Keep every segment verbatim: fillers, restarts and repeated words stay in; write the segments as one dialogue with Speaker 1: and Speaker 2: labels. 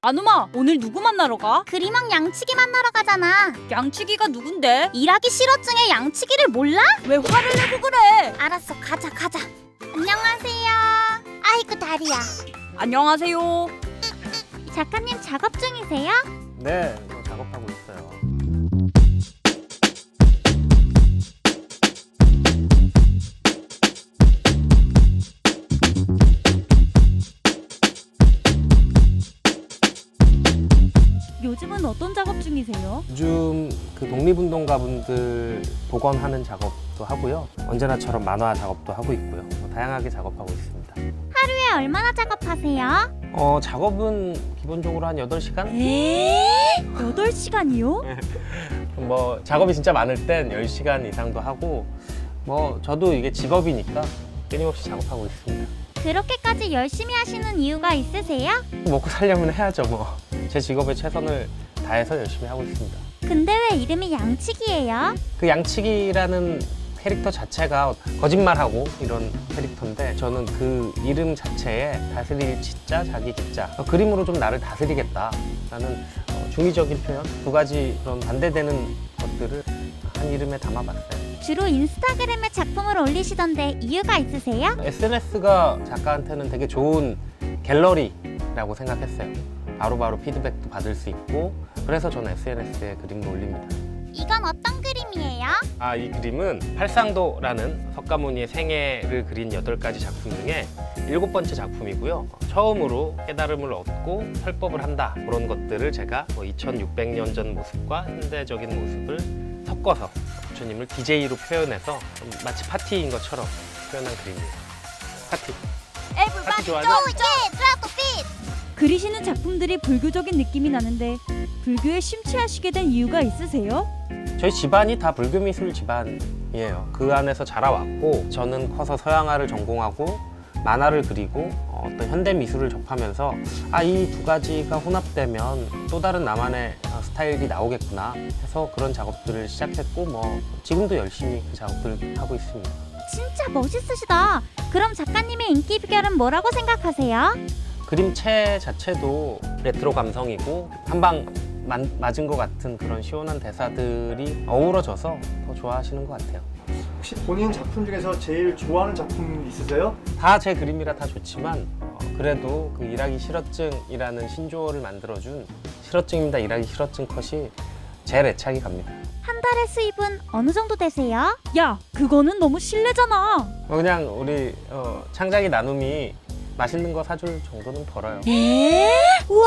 Speaker 1: 아누마, 오늘 누구 만나러 가?
Speaker 2: 그림왕 양치기 만나러 가잖아.
Speaker 1: 양치기가 누군데?
Speaker 2: 일하기 싫어증의 양치기를 몰라?
Speaker 1: 왜 화를 내고 그래?
Speaker 2: 알았어, 가자 가자. 안녕하세요. 아이고 다리야.
Speaker 1: 안녕하세요.
Speaker 2: 작가님 작업 중이세요?
Speaker 3: 네, 저 작업하고 있어요.
Speaker 1: 요즘은 어떤 작업 중이세요?
Speaker 3: 요즘 그 독립운동가분들 복원하는 작업도 하고요. 언제나처럼 만화 작업도 하고 있고요. 뭐 다양하게 작업하고 있습니다.
Speaker 2: 하루에 얼마나 작업하세요?
Speaker 3: 어, 작업은 기본적으로 한 여덟 시간?
Speaker 1: 에? 여덟 시간이요?
Speaker 3: 뭐 작업이 진짜 많을 땐 열 시간 이상도 하고 뭐 저도 이게 직업이니까 끊임없이 작업하고 있습니다.
Speaker 2: 그렇게까지 열심히 하시는 이유가 있으세요?
Speaker 3: 먹고 살려면 해야죠 뭐. 제 직업에 최선을 다해서 열심히 하고 있습니다.
Speaker 2: 근데 왜 이름이 양치기예요?
Speaker 3: 그 양치기라는 캐릭터 자체가 거짓말하고 이런 캐릭터인데 저는 그 이름 자체에 다스릴 치자, 자기 기자 어, 그림으로 좀 나를 다스리겠다라는 어, 중의적인 표현 두 가지 그런 반대되는 것들을 한 이름에 담아봤어요.
Speaker 2: 주로 인스타그램에 작품을 올리시던데 이유가 있으세요?
Speaker 3: 에스엔에스가 작가한테는 되게 좋은 갤러리라고 생각했어요. 바로바로 피드백도 받을 수 있고 그래서 저는 에스엔에스에 그림을 올립니다.
Speaker 2: 이건 어떤 그림이에요?
Speaker 3: 아, 이 그림은 팔상도라는 석가모니의 생애를 그린 여덟 가지 작품 중에 일곱 번째 작품이고요. 처음으로 깨달음을 얻고 설법을 한다. 그런 것들을 제가 뭐 이천육백 년 전 모습과 현대적인 모습을 섞어서 부처님을 디제이로 표현해서 좀 마치 파티인 것처럼 표현한 그림입니다. 파티. 파티 좋아하죠?
Speaker 1: 그리시는 작품들이 불교적인 느낌이 나는데 불교에 심취하시게 된 이유가 있으세요?
Speaker 3: 저희 집안이 다 불교 미술 집안이에요. 그 안에서 자라왔고 저는 커서 서양화를 전공하고 만화를 그리고 어떤 현대 미술을 접하면서 아, 이 두 가지가 혼합되면 또 다른 나만의 스타일이 나오겠구나 해서 그런 작업들을 시작했고 뭐 지금도 열심히 그 작업들을 하고 있습니다.
Speaker 2: 진짜 멋있으시다. 그럼 작가님의 인기 비결은 뭐라고 생각하세요?
Speaker 3: 그림체 자체도 레트로 감성이고 한방 맞은 것 같은 그런 시원한 대사들이 어우러져서 더 좋아하시는 것 같아요.
Speaker 4: 혹시 본인 작품 중에서 제일 좋아하는 작품 있으세요?
Speaker 3: 다 제 그림이라 다 좋지만 어, 그래도 그 일하기 싫어증이라는 신조어를 만들어준 싫어증입니다 일하기 싫어증 컷이 제일 애착이 갑니다.
Speaker 2: 한 달에 수입은 어느 정도 되세요?
Speaker 1: 야, 그거는 너무 실례잖아.
Speaker 3: 어, 그냥 우리 어, 창작이 나눔이 맛있는 거 사줄 정도는 벌어요.
Speaker 1: 에?
Speaker 2: 우와!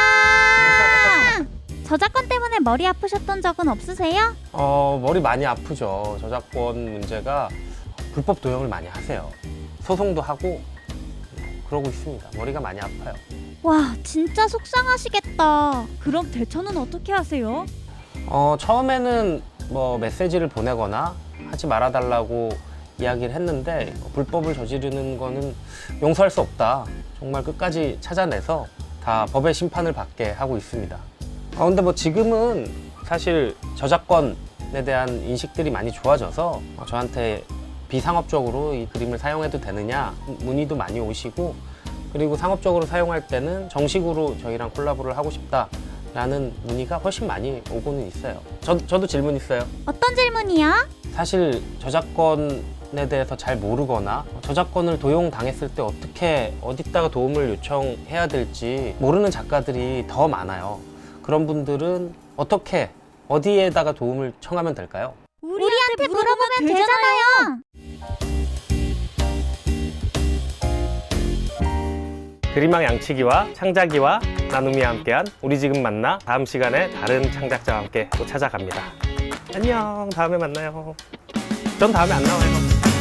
Speaker 2: 저작권 때문에 머리 아프셨던 적은 없으세요?
Speaker 3: 어, 머리 많이 아프죠. 저작권 문제가 불법 도용을 많이 하세요. 소송도 하고 그러고 있습니다. 머리가 많이 아파요.
Speaker 2: 와, 진짜 속상하시겠다.
Speaker 1: 그럼 대처는 어떻게 하세요?
Speaker 3: 어, 처음에는 뭐 메시지를 보내거나 하지 말아달라고 이야기를 했는데 불법을 저지르는 거는 용서할 수 없다. 정말 끝까지 찾아내서 다 법의 심판을 받게 하고 있습니다. 어, 근데 뭐 지금은 사실 저작권에 대한 인식들이 많이 좋아져서 어, 저한테 비상업적으로 이 그림을 사용해도 되느냐 문의도 많이 오시고 그리고 상업적으로 사용할 때는 정식으로 저희랑 콜라보를 하고 싶다라는 문의가 훨씬 많이 오고는 있어요. 저, 저도 질문 있어요.
Speaker 2: 어떤 질문이요?
Speaker 3: 사실 저작권에 대해서 잘 모르거나 저작권을 도용당했을 때 어떻게 어디다가 도움을 요청해야 될지 모르는 작가들이 더 많아요. 그런 분들은 어떻게 어디에다가 도움을 청하면 될까요?
Speaker 2: 우리한테 물어보면 되잖아요.
Speaker 3: 그림왕 양치기와 창작이와 나눔이 함께한 우리 지금 만나 다음 시간에 다른 창작자와 함께 또 찾아갑니다. 안녕, 다음에 만나요. 전 다음에 안 나와요.